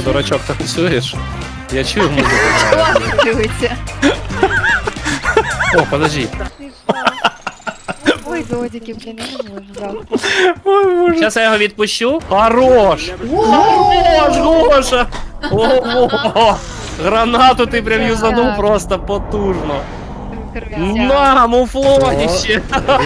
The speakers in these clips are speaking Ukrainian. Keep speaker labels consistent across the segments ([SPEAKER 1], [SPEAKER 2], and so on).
[SPEAKER 1] Дурачок, танцюєш? Я чую музику.
[SPEAKER 2] Ладно, дивиться.
[SPEAKER 1] О, подожди.
[SPEAKER 2] Ой, додики, блін, я не можу, жалко.
[SPEAKER 1] Зараз я його відпущу. Хорош! Хорош, Гоша! Ого! Гранату ти прям юзанув просто потужно. На, муфлоніще!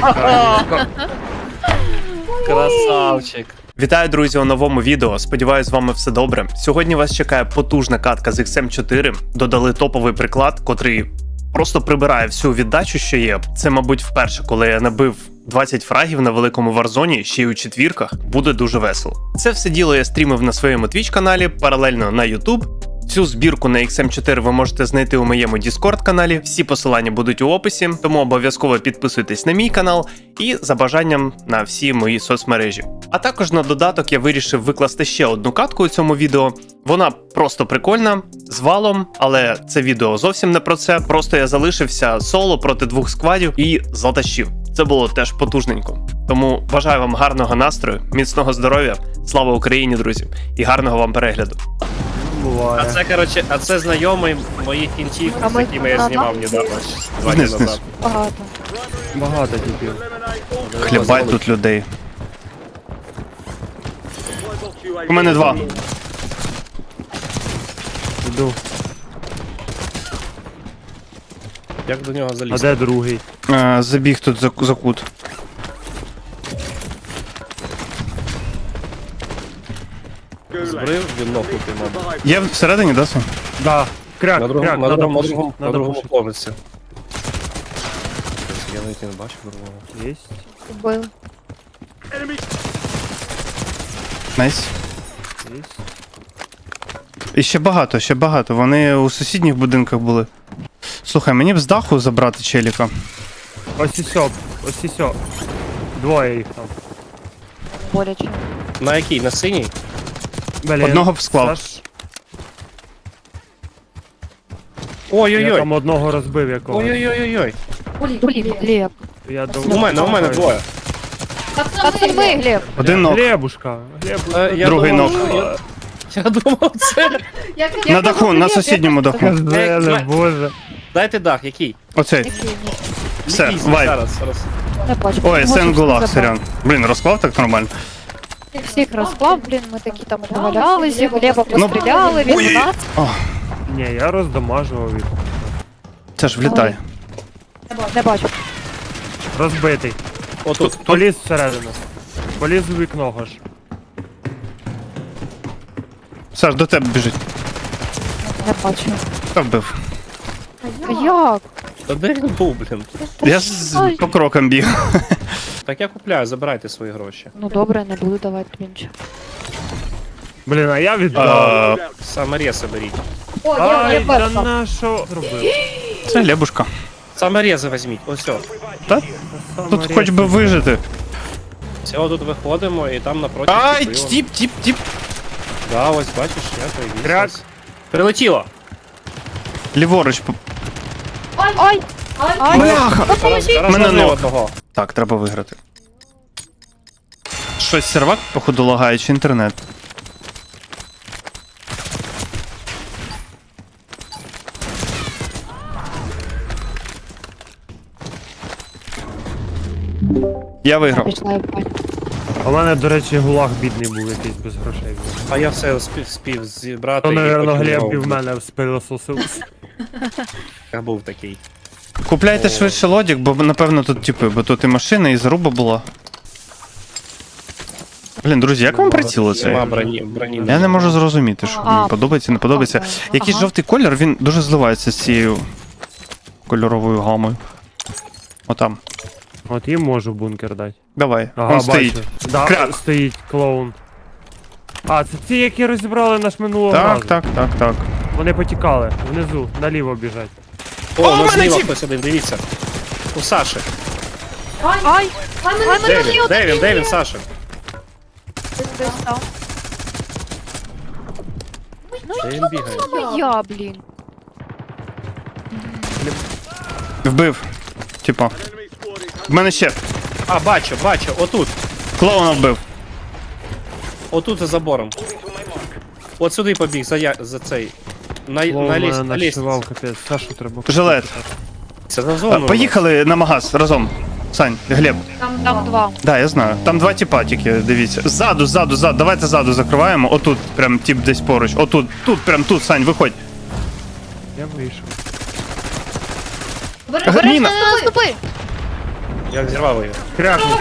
[SPEAKER 1] Красавчик.
[SPEAKER 3] Вітаю, друзі, у новому відео. Сподіваюсь, з вами все добре. Сьогодні вас чекає потужна катка з XM4. Додали топовий приклад, котрий просто прибирає всю віддачу, що є. Це, мабуть, вперше, коли я набив 20 фрагів на великому варзоні, ще й у четвірках. Буде дуже весело. Це все діло я стрімив на своєму Twitch-каналі, паралельно на YouTube. Цю збірку на XM4 ви можете знайти у моєму Discord-каналі, всі посилання будуть у описі, тому обов'язково підписуйтесь на мій канал і за бажанням на всі мої соцмережі. А також на додаток я вирішив викласти ще одну катку у цьому відео. Вона просто прикольна, з валом, але це відео зовсім не про це. Просто я залишився соло проти двох сквадів і затащив. Це було теж потужненько. Тому бажаю вам гарного настрою, міцного здоров'я, слава Україні, друзі, і гарного вам перегляду.
[SPEAKER 1] А це, коротше, знайомий моїх кінців, з якими я знімав недавно. 2 дні назад.
[SPEAKER 2] Багато.
[SPEAKER 4] Багато дібів.
[SPEAKER 3] Хлібай тут людей. У мене 2.
[SPEAKER 4] Іду.
[SPEAKER 1] Як до нього
[SPEAKER 4] А
[SPEAKER 1] залізти?
[SPEAKER 4] де другий?
[SPEAKER 3] Забіг тут за кут.
[SPEAKER 1] Збрив, він нокнутий, мабуть.
[SPEAKER 3] Є всередині, да, Сон?
[SPEAKER 4] Да. Кряк,
[SPEAKER 1] На
[SPEAKER 4] кряк,
[SPEAKER 1] другому, на
[SPEAKER 4] надо
[SPEAKER 1] другому,
[SPEAKER 4] пушить,
[SPEAKER 1] на
[SPEAKER 4] надо
[SPEAKER 1] другому
[SPEAKER 4] пушить.
[SPEAKER 1] поверсі. Я навіть не бачив другого.
[SPEAKER 4] Єсть.
[SPEAKER 2] Убив.
[SPEAKER 3] Найс.
[SPEAKER 4] Єсть.
[SPEAKER 3] І ще багато. Вони у сусідніх будинках були. Слухай, мені б з даху забрати челіка.
[SPEAKER 4] Ось і сьо, ось і сьо. Двоє їх там.
[SPEAKER 2] Боляче.
[SPEAKER 1] На який? На синій?
[SPEAKER 4] Блін,
[SPEAKER 3] Одного б склав.
[SPEAKER 4] Саш, я
[SPEAKER 1] Ой-ой-ой.
[SPEAKER 4] там одного розбив якого.
[SPEAKER 1] Ой-ой-ой-ой.
[SPEAKER 2] Глеб, Глеб.
[SPEAKER 4] Я
[SPEAKER 1] У мене двоє.
[SPEAKER 2] Пацани, Глеб.
[SPEAKER 3] Один ног.
[SPEAKER 4] Глебушка.
[SPEAKER 1] Я
[SPEAKER 3] Другий
[SPEAKER 1] думав,
[SPEAKER 3] ног.
[SPEAKER 1] Я думав, це...
[SPEAKER 3] На даху, на сусідньому даху.
[SPEAKER 4] Казали, боже.
[SPEAKER 1] Дайте дах, який?
[SPEAKER 3] Оцей.
[SPEAKER 2] Який ні.
[SPEAKER 3] Все,
[SPEAKER 1] Який?
[SPEAKER 3] вайп.
[SPEAKER 1] Зараз.
[SPEAKER 2] Не бачу.
[SPEAKER 3] Ой,
[SPEAKER 2] Можеш
[SPEAKER 3] Сен-Гулаг,
[SPEAKER 2] забрати.
[SPEAKER 3] сорян. Блін, розклав так нормально.
[SPEAKER 2] Всіх розклав, блін, ми такі там навалялися, Глеба постріляли, він у нас.
[SPEAKER 4] Ні, я роздамажував їх.
[SPEAKER 3] Це ж влітає.
[SPEAKER 2] Не бачу.
[SPEAKER 4] Розбитий.
[SPEAKER 1] Отут.
[SPEAKER 4] Поліз всередину. Поліз у вікно гош.
[SPEAKER 3] Саш, до тебе біжить.
[SPEAKER 2] Не бачу.
[SPEAKER 3] Та вбив.
[SPEAKER 2] Як?
[SPEAKER 1] Та де він був, блін?
[SPEAKER 3] Я ж по крокам біг.
[SPEAKER 1] Так я купляю, забирайте свої гроші.
[SPEAKER 2] Ну добре, не буду давати тобі нічого.
[SPEAKER 4] Блін, а я віддав.
[SPEAKER 1] Саморези беріть.
[SPEAKER 4] Ай,
[SPEAKER 2] я
[SPEAKER 4] да
[SPEAKER 2] перша.
[SPEAKER 4] на що зробив?
[SPEAKER 3] Це Лебушка.
[SPEAKER 1] Саморези візьміть, ось все.
[SPEAKER 3] Та? Тут хоч би вижити.
[SPEAKER 1] Все, тут виходимо і там напроти.
[SPEAKER 3] Ай,
[SPEAKER 1] купили.
[SPEAKER 3] тіп.
[SPEAKER 1] Да, ось бачиш, я появився.
[SPEAKER 4] Кряк.
[SPEAKER 1] Прилетіло.
[SPEAKER 3] Ліворуч.
[SPEAKER 2] Ай! Ай!
[SPEAKER 3] Бляха!
[SPEAKER 1] Зараз
[SPEAKER 3] Мене
[SPEAKER 1] ловлю
[SPEAKER 3] ног.
[SPEAKER 1] одного.
[SPEAKER 3] Так, треба виграти. Щось сервак, походу, лагає, чи інтернет. Я виграв.
[SPEAKER 2] Пішла я в баню.
[SPEAKER 4] А в мене, до речі, гулаг бідний був якийсь без грошей. був.
[SPEAKER 1] А я все спів зібрати.
[SPEAKER 4] То,
[SPEAKER 1] і
[SPEAKER 4] напевно,
[SPEAKER 1] потім
[SPEAKER 4] Глеб
[SPEAKER 1] знову.
[SPEAKER 4] і в мене спилососив.
[SPEAKER 1] Я був такий.
[SPEAKER 3] Купляйте швидше лодік, бо напевно тут типи, бо тут і машина, і заруба була. Блін, друзі, як вам приціли
[SPEAKER 1] Нема
[SPEAKER 3] це?
[SPEAKER 1] броні.
[SPEAKER 3] Я не можу зрозуміти, що
[SPEAKER 2] А.
[SPEAKER 3] мені подобається, не подобається.
[SPEAKER 2] Ага.
[SPEAKER 3] Якийсь жовтий колір, він дуже зливається з цією кольоровою гамою. Отам.
[SPEAKER 4] От їм можу бункер дати.
[SPEAKER 3] Давай,
[SPEAKER 4] Ага,
[SPEAKER 3] он стоїть.
[SPEAKER 4] бачу. Да,
[SPEAKER 3] Кряк.
[SPEAKER 4] стоїть клоун. А, це ті, які розібрали наш минулого разу.
[SPEAKER 3] Так.
[SPEAKER 4] Вони потікали. Внизу, наліво біжать.
[SPEAKER 1] О, у нас
[SPEAKER 3] мене
[SPEAKER 1] зліва
[SPEAKER 3] тіп!
[SPEAKER 1] хтось один, дивіться. У Саші.
[SPEAKER 2] Ай!
[SPEAKER 1] Де він, Саша?
[SPEAKER 2] Десь там.
[SPEAKER 1] Де він бігає?
[SPEAKER 2] Ну я, блін.
[SPEAKER 3] Вбив. Типа. В мене ще.
[SPEAKER 1] А, бачу, отут.
[SPEAKER 3] Клоуна вбив.
[SPEAKER 1] Отут за забором. От сюди побіг, за цей. На
[SPEAKER 4] Мене
[SPEAKER 1] лісі.
[SPEAKER 4] нашивав, капець. Сашу треба.
[SPEAKER 3] Жилет.
[SPEAKER 1] Це на зону.
[SPEAKER 3] Поїхали на магаз разом. Сань, Глеб.
[SPEAKER 2] Там два.
[SPEAKER 3] Да, я знаю. Там два тіпа тільки, дивіться. Ззаду. Давайте ззаду закриваємо. Отут прям тип десь поруч. Отут, прям тут, Сань, виходь.
[SPEAKER 4] Я вийшов.
[SPEAKER 3] Міна.
[SPEAKER 2] Наступи!
[SPEAKER 1] Я взірвав її.
[SPEAKER 4] Крякнути.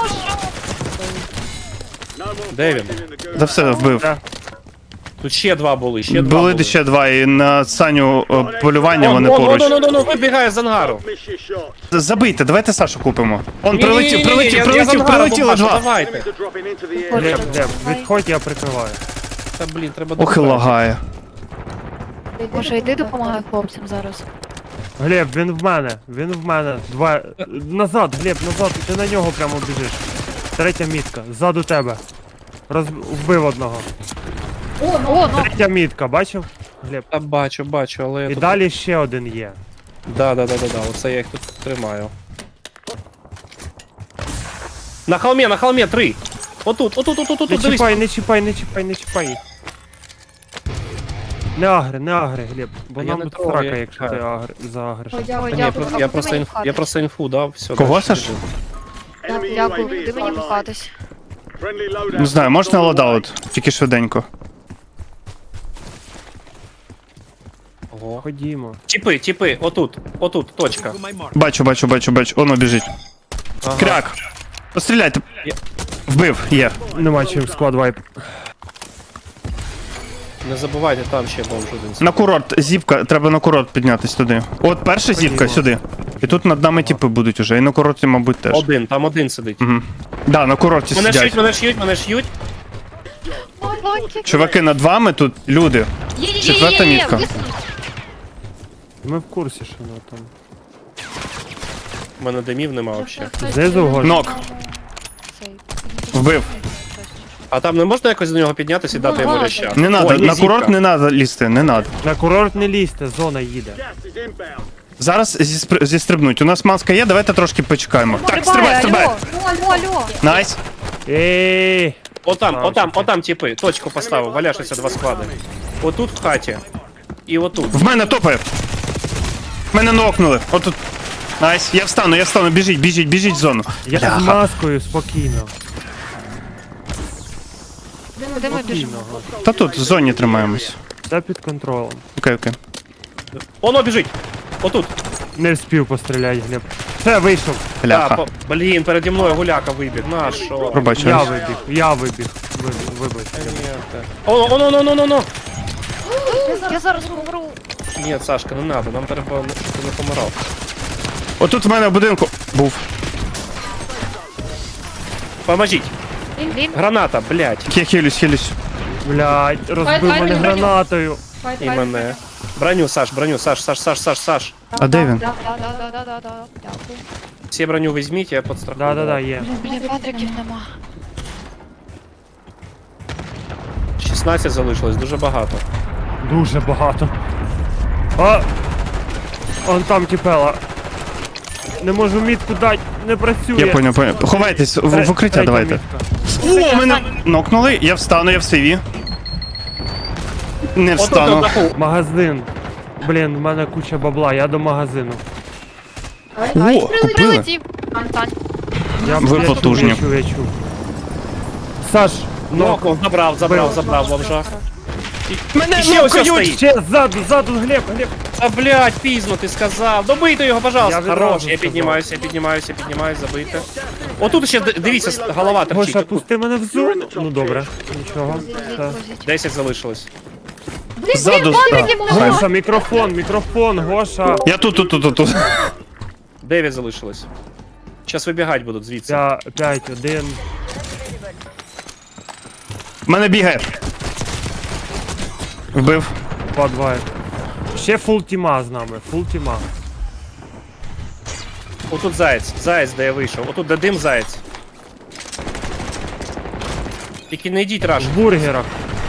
[SPEAKER 1] Де він?
[SPEAKER 3] Да все, вбив.
[SPEAKER 4] Да.
[SPEAKER 1] Тут ще два були, ще два
[SPEAKER 3] Були
[SPEAKER 1] були.
[SPEAKER 3] ще два, і на Саню полювання вони поруч.
[SPEAKER 1] Ну, вибігає з ангару.
[SPEAKER 3] Забийте, давайте Сашу купимо. Он
[SPEAKER 1] Ні-ні-ні-ні,
[SPEAKER 3] прилетіло
[SPEAKER 1] бомбашу,
[SPEAKER 3] два.
[SPEAKER 1] Давайте.
[SPEAKER 4] Глеб, відходь, я прикриваю.
[SPEAKER 1] Та блін, треба
[SPEAKER 3] Ох і лагає.
[SPEAKER 2] Може, йди допомагай хлопцям зараз.
[SPEAKER 4] Глеб, він в мене. Два. Назад, Глеб, назад, ти на нього прямо біжиш. Третя мітка, ззаду тебе. Вбив одного.
[SPEAKER 2] О, ну.
[SPEAKER 4] Третя мітка, бачив? Глеб.
[SPEAKER 1] Та бачу, але я
[SPEAKER 4] І
[SPEAKER 1] тут...
[SPEAKER 4] далі ще один є.
[SPEAKER 1] Да, оце я їх тут тримаю. На холмі, 3. Отут,
[SPEAKER 4] Не
[SPEAKER 1] дивись.
[SPEAKER 4] чіпай, не чіпай їх. Не агри, Глеб, бо
[SPEAKER 1] А я
[SPEAKER 4] нам
[SPEAKER 1] не
[SPEAKER 4] тут
[SPEAKER 1] трогаю,
[SPEAKER 4] срака,
[SPEAKER 1] я
[SPEAKER 4] якщо
[SPEAKER 1] чекаю.
[SPEAKER 4] ти загриш.
[SPEAKER 2] Ой,
[SPEAKER 1] Та ні,
[SPEAKER 2] дякую.
[SPEAKER 1] я просто інфу дав, все.
[SPEAKER 3] Кого,
[SPEAKER 1] дальше
[SPEAKER 3] Саш?
[SPEAKER 1] біжу.
[SPEAKER 2] Дякую, йди мені пхатись.
[SPEAKER 3] Не знаю, можна лодаут, тільки швиденько.
[SPEAKER 1] Ого.
[SPEAKER 4] Ходімо.
[SPEAKER 1] Тіпи, отут, точка.
[SPEAKER 3] Бачу. Оно біжить.
[SPEAKER 1] Ага.
[SPEAKER 3] Кряк. Постріляйте.
[SPEAKER 1] Є.
[SPEAKER 3] Вбив, є.
[SPEAKER 4] Нема чим склад вайп.
[SPEAKER 1] Не забувайте, там ще бомж один.
[SPEAKER 3] На курорт, зіпка, треба на курорт піднятись туди. От перша зіпка сюди. І тут над нами тіпи будуть уже. І на курорті, мабуть, теж.
[SPEAKER 1] Там один сидить.
[SPEAKER 3] Угу. Да, на курорті сидять.
[SPEAKER 1] Мене ш'ють.
[SPEAKER 3] Чуваки, над вами тут люди. Четверта мітка.
[SPEAKER 4] Ми в курсі, що воно там.
[SPEAKER 1] У мене димів нема взагалі.
[SPEAKER 4] Знизу вгору.
[SPEAKER 3] Нок. Вбив.
[SPEAKER 1] А там не можна якось до нього піднятися і дати йому ляща?
[SPEAKER 3] Не надо,
[SPEAKER 1] Ой,
[SPEAKER 3] на
[SPEAKER 1] зіпка.
[SPEAKER 3] курорт не надо лізти, не надо.
[SPEAKER 4] На курорт не лізьте, зона їде.
[SPEAKER 3] Зараз зістрибнуть. У нас маска є, давайте трошки почекаємо. Так, стрибай.
[SPEAKER 2] Алло.
[SPEAKER 3] Найс.
[SPEAKER 4] Ей!
[SPEAKER 1] Отам, типи, точку поставив, валяшися два склади. Отут в хаті. І отут.
[SPEAKER 3] В мене топає. Мене нокнули. Отут. Найс. Я встану. Біжіть в зону.
[SPEAKER 4] Я з
[SPEAKER 3] Бляха.
[SPEAKER 4] маскою спокійно.
[SPEAKER 2] Куди ми біжимо?
[SPEAKER 4] Спокійно.
[SPEAKER 3] Та тут в зоні тримаємось.
[SPEAKER 4] Все під контролем.
[SPEAKER 3] Окей.
[SPEAKER 1] Воно біжить. Отут.
[SPEAKER 4] Не вспів постріляти, Глеб. Все, вийшов.
[SPEAKER 3] Бляха.
[SPEAKER 1] Блін, переді мною гуляка вибіг. На що?
[SPEAKER 3] Пробачаю.
[SPEAKER 4] Я вибіг. Вибив.
[SPEAKER 1] Оно.
[SPEAKER 2] Я зараз помру.
[SPEAKER 1] Ні, Сашка, не надо, нам треба, щоб ти не помирав.
[SPEAKER 3] Отут в мене в будинку був.
[SPEAKER 1] Поможіть.
[SPEAKER 2] Він.
[SPEAKER 1] Граната, блядь.
[SPEAKER 3] Я хилюсь.
[SPEAKER 4] Блядь, розбив мене гранатою.
[SPEAKER 1] І мене. Броню, Саш.
[SPEAKER 3] А де він?
[SPEAKER 2] Да. Дякую.
[SPEAKER 1] Всі броню візьміть, я підстрахую.
[SPEAKER 4] Да, є.
[SPEAKER 2] Блін, патриків нема.
[SPEAKER 1] 16 залишилось, дуже багато.
[SPEAKER 4] Дуже багато. А! Он там кипела. Не можу мітку дати, не працює.
[SPEAKER 3] Я поняв. Ховайтесь, в укриття
[SPEAKER 4] Третя
[SPEAKER 3] давайте.
[SPEAKER 4] мітка.
[SPEAKER 3] О, мене нокнули, я встану, я в сейві. Не
[SPEAKER 1] Отут
[SPEAKER 3] встану.
[SPEAKER 1] на даху.
[SPEAKER 4] Магазин. Блін, в мене куча бабла, я до магазину.
[SPEAKER 3] О, купили.
[SPEAKER 2] Прилетів. Тань.
[SPEAKER 3] Ви потужні.
[SPEAKER 4] Я чув. Саш,
[SPEAKER 1] Нокнув, забрав бомжа.
[SPEAKER 3] Мене
[SPEAKER 1] І ще ось
[SPEAKER 3] нокають!
[SPEAKER 1] стоїть.
[SPEAKER 4] ще ззаду, Глеб.
[SPEAKER 1] А блядь, пізно ти сказав. Добийте його, пожалуйста.
[SPEAKER 4] Я відразу
[SPEAKER 1] Хорош, я
[SPEAKER 4] сказав.
[SPEAKER 1] піднімаюся, забийте. Отут ще, дивіться, голова торчить.
[SPEAKER 4] Гоша,
[SPEAKER 1] Отут.
[SPEAKER 4] пусти мене в зону. Ну добре, нічого. Все.
[SPEAKER 1] 10 залишилось.
[SPEAKER 3] Ззаду.
[SPEAKER 4] Гоша, мікрофон, Гоша.
[SPEAKER 3] Я тут.
[SPEAKER 1] 9 залишилось. Зараз вибігати будуть звідси.
[SPEAKER 4] 5-1.
[SPEAKER 3] Мене бігає. Вбив.
[SPEAKER 4] 2-2. Ще фул тіма з нами, фул тіма.
[SPEAKER 1] Отут заєць, де я вийшов. Отут де дим заєць. Тільки не йдіть раш.
[SPEAKER 4] В бургерах.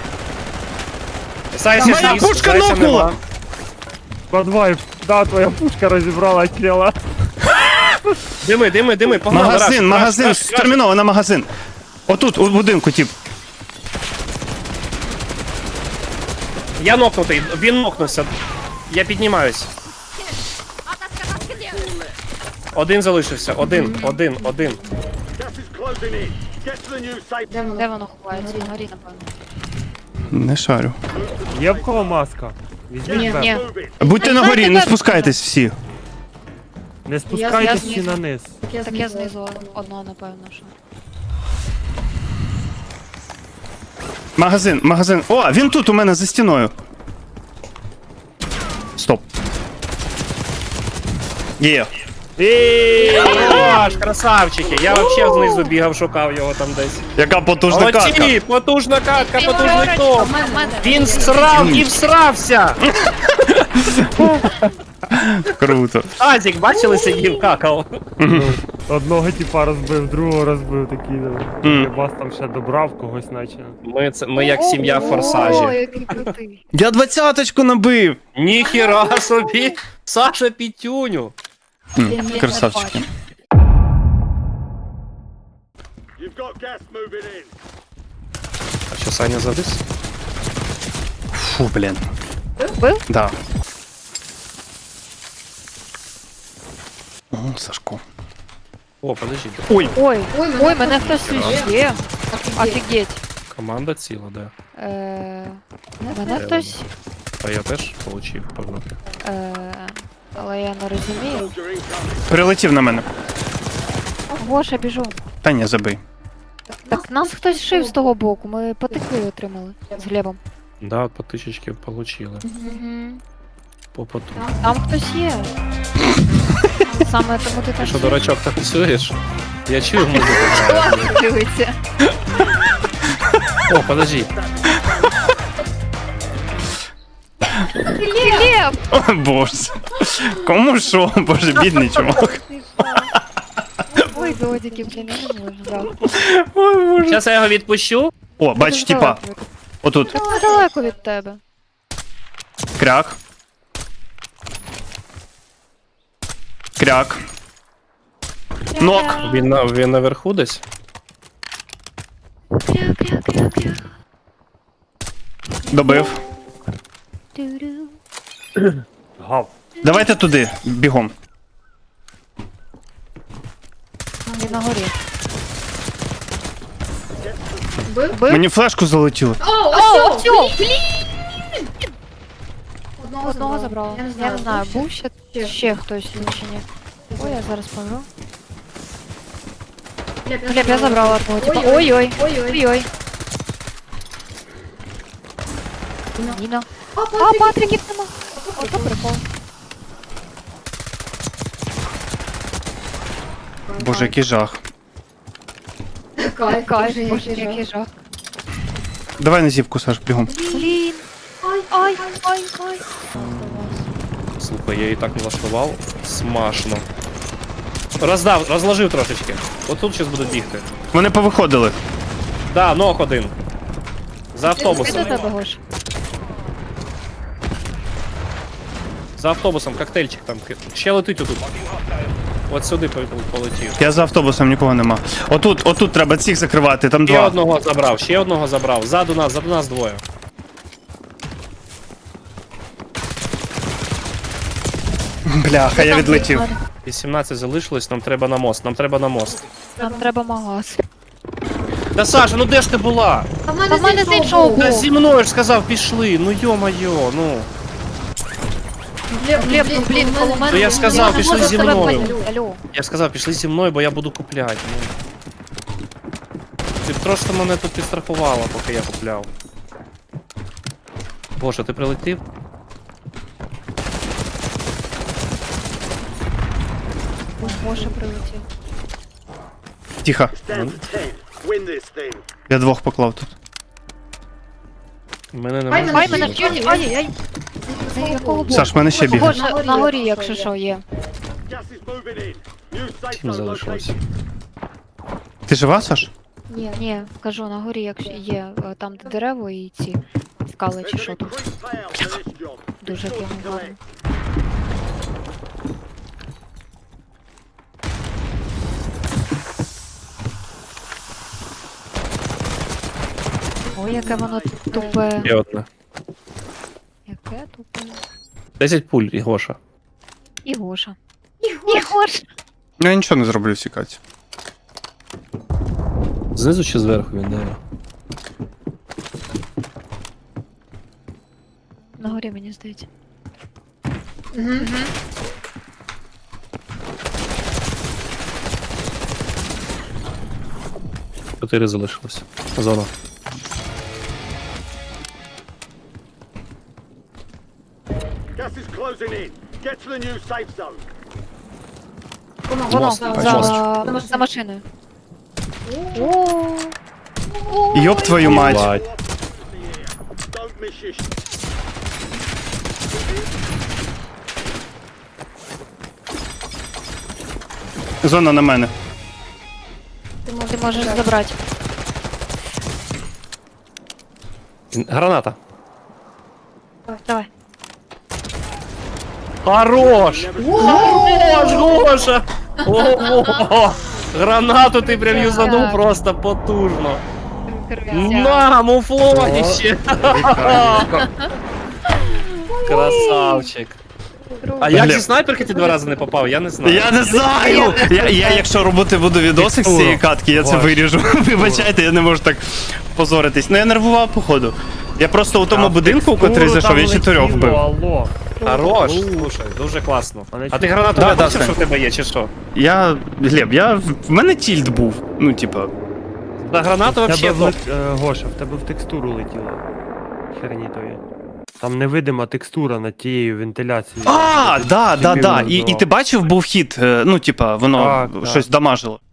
[SPEAKER 1] Заєць
[SPEAKER 3] Моя
[SPEAKER 1] зліз,
[SPEAKER 3] пушка
[SPEAKER 1] зайця
[SPEAKER 3] нокнула!
[SPEAKER 1] нема.
[SPEAKER 4] 2-2. Да, твоя пушка розібрала тіла.
[SPEAKER 1] Дими, погнали, раш,
[SPEAKER 3] Магазин,
[SPEAKER 1] раш.
[SPEAKER 3] терміново на магазин. Отут, у будинку, тип.
[SPEAKER 1] Я нокнутий, він нокнувся. Я піднімаюсь. Один залишився, один.
[SPEAKER 2] Де воно ховається? На горі, напевно.
[SPEAKER 3] Не шарю.
[SPEAKER 4] Є в кого маска? Візьміть
[SPEAKER 2] Ні.
[SPEAKER 3] Будьте на горі, не спускайтесь всі.
[SPEAKER 4] Не спускайтесь
[SPEAKER 2] Я
[SPEAKER 4] всі на низ.
[SPEAKER 2] Так я знизу одного, напевно, що.
[SPEAKER 3] Магазин. О, він тут у мене за стіною. Стоп. Є.
[SPEAKER 1] Хорош, красавчики. Я вообще знизу бігав, шукав його там десь.
[SPEAKER 3] Яка потужна катка.
[SPEAKER 1] Молодці, потужна катка, потужний
[SPEAKER 2] Він
[SPEAKER 1] топ.
[SPEAKER 2] в мене.
[SPEAKER 1] Він срав і всрався.
[SPEAKER 3] Круто.
[SPEAKER 1] Азік, бачили, сидів, какав.
[SPEAKER 4] Одного типа розбив, другого розбив, такий.
[SPEAKER 3] Мгм.
[SPEAKER 4] Бас там ще добрав когось, наче.
[SPEAKER 1] Ми як сім'я в
[SPEAKER 2] О,
[SPEAKER 1] форсажі.
[SPEAKER 2] який крутий.
[SPEAKER 3] Я 20-очку набив.
[SPEAKER 1] Ніхіра собі. Саша Пітюню.
[SPEAKER 3] Красавчики.
[SPEAKER 1] А що, Саня завис?
[SPEAKER 3] Фу, блін.
[SPEAKER 2] Бив?
[SPEAKER 3] Да. О, Сашко.
[SPEAKER 1] О, подожди.
[SPEAKER 3] Ой.
[SPEAKER 2] Ой, мене хтось є. Офігеть.
[SPEAKER 1] Команда ціла, да.
[SPEAKER 2] Мене хтось,
[SPEAKER 1] А я теж получив, погнав.
[SPEAKER 2] але я не розумію.
[SPEAKER 3] Прилетів на мене.
[SPEAKER 2] Гоша, біжу.
[SPEAKER 3] Та ні, забий.
[SPEAKER 2] Так нас хтось шив з того боку, ми потекли отримали з Глебом.
[SPEAKER 1] Да, по тисячки получили. По поту.
[SPEAKER 2] Там хтось є. Саме тому ти
[SPEAKER 1] Ти
[SPEAKER 2] там
[SPEAKER 1] що, дурачок, танцюєш? Я чую музику. грає.
[SPEAKER 2] дивиться.
[SPEAKER 1] О, подожди.
[SPEAKER 2] Глеб!
[SPEAKER 3] О, боже. Кому що? Боже, бідний чувак.
[SPEAKER 2] Ой, додики, блін, я не можу. Жалко.
[SPEAKER 3] Ой, боже.
[SPEAKER 1] Зараз я його відпущу.
[SPEAKER 3] О, бач, типа. Отут.
[SPEAKER 2] Та далеко від тебе.
[SPEAKER 3] Кряк. Кряк. Нок.
[SPEAKER 1] Він наверху десь.
[SPEAKER 2] Кря-кря-кря-кря.
[SPEAKER 3] Добив.
[SPEAKER 2] Ту-ру.
[SPEAKER 4] Гав.
[SPEAKER 3] Давайте туди, бігом.
[SPEAKER 2] Він на горі. Бив?
[SPEAKER 3] Мені флешку залетіло.
[SPEAKER 2] О, все! Одного забрала. Я не знаю, був ще хтось чи ні. Ой, я зараз помру. Глеб, я забрала одного, типа. Ой-ой. Ой-ой. Ніна. А, Патриків нема. Ото прикол.
[SPEAKER 3] Боже, який жах.
[SPEAKER 2] Кайф, боже, який жах.
[SPEAKER 3] Давай на зівку, Саш, бігом.
[SPEAKER 2] Блін. Ай.
[SPEAKER 1] Слухай, я її так влаштував. Смашно. Розложив трошечки. Отут зараз буду бігти.
[SPEAKER 3] Вони повиходили.
[SPEAKER 1] Да, ног один. За
[SPEAKER 2] Ти
[SPEAKER 1] автобусом.
[SPEAKER 2] до тебе, Гош.
[SPEAKER 1] За автобусом, коктейльчик там. Ще летить отут. От сюди полетів.
[SPEAKER 3] Я за автобусом, нікого нема. Отут треба цих закривати, там
[SPEAKER 1] Ще
[SPEAKER 3] два.
[SPEAKER 1] одного забрав. Ззаду нас двоє.
[SPEAKER 3] Бляха, я відлетів.
[SPEAKER 1] 18 залишилось, нам треба на мост.
[SPEAKER 2] Нам треба магаз.
[SPEAKER 1] Та Саша, ну де ж ти була?
[SPEAKER 2] Та в мене з іншого
[SPEAKER 1] Та
[SPEAKER 2] боку.
[SPEAKER 1] зі мною ж сказав, пішли. Ну йо-майо, ну.
[SPEAKER 2] Глеб, ну блін, коло мене.
[SPEAKER 1] То я сказав,
[SPEAKER 2] не
[SPEAKER 1] пішли
[SPEAKER 2] можу
[SPEAKER 1] зі
[SPEAKER 2] тебе
[SPEAKER 1] мною.
[SPEAKER 2] пойти. Алло.
[SPEAKER 1] Я сказав, пішли зі мною, бо я буду купляти. Ну. Ти б трошки мене тут підстрахувала, поки я купляв. Боже, ти прилетів?
[SPEAKER 2] Гоша прилетів.
[SPEAKER 3] Тихо. Я двох поклав тут.
[SPEAKER 1] Мене немає.
[SPEAKER 2] Ай, мене вчить, ай-яй. З якого боку?
[SPEAKER 3] Саш, в мене ще бігає.
[SPEAKER 2] Гоша, на горі, якщо що, є.
[SPEAKER 1] Тім залишилось.
[SPEAKER 3] Ти жива, Саш?
[SPEAKER 2] Ні, кажу, на горі, якщо є, там де дерево і ці скали чи що тут. Дуже прямо гарно. Ой, яке воно тупе.
[SPEAKER 1] Є одне.
[SPEAKER 2] ракету.
[SPEAKER 1] 10 пуль, і Гоша.
[SPEAKER 2] І Гоша. І Гоша.
[SPEAKER 5] Я нічого не зроблю в цій каті.
[SPEAKER 1] Знизу чи зверху він, да.
[SPEAKER 2] На горі, мені здається.
[SPEAKER 1] 4 залишилось. Зона.
[SPEAKER 6] Gas is closing in. Get to the new safe zone.
[SPEAKER 2] Воно,
[SPEAKER 1] Мост,
[SPEAKER 2] за машиною. О,
[SPEAKER 5] Йоп твою мать.
[SPEAKER 1] Бать.
[SPEAKER 6] Don't miss your
[SPEAKER 5] Зона на мене.
[SPEAKER 2] ти можеш забрати.
[SPEAKER 1] Граната.
[SPEAKER 2] Давай.
[SPEAKER 1] Хорош! Хорош, Гоша! Ого! Гранату ти прям юзанув просто потужно. На, муфлоніще! Красавчик. А як
[SPEAKER 5] Глеб.
[SPEAKER 1] зі снайперки ти 2 рази не попав? Я не знаю.
[SPEAKER 5] Я не знаю! Я якщо робити буду відосик з цієї катки, я це
[SPEAKER 4] Ваш.
[SPEAKER 5] виріжу. Вибачайте, я не можу так позоритись. Ну я нервував, походу. Я просто у тому будинку, в котрий зайшов, я 4 вбив.
[SPEAKER 4] Алло.
[SPEAKER 1] Хорош, слушай, дуже класно.
[SPEAKER 4] Але
[SPEAKER 1] А ти
[SPEAKER 4] чи-
[SPEAKER 1] гранату
[SPEAKER 5] Да,
[SPEAKER 1] бачив,
[SPEAKER 5] да,
[SPEAKER 1] що в тебе є, чи що?
[SPEAKER 5] Глеб, в мене тільт був. Ну, типа.
[SPEAKER 1] За гранату
[SPEAKER 4] В
[SPEAKER 1] вообще
[SPEAKER 4] тебе
[SPEAKER 1] топ.
[SPEAKER 4] Гоша, в тебе в текстуру летіло. Хернітові. Там невидима текстура над тією вентиляцією.
[SPEAKER 5] Да. І
[SPEAKER 4] Чемпіон
[SPEAKER 5] ти бачив, був хід, ну, типа, воно
[SPEAKER 4] Так.
[SPEAKER 5] щось дамажило.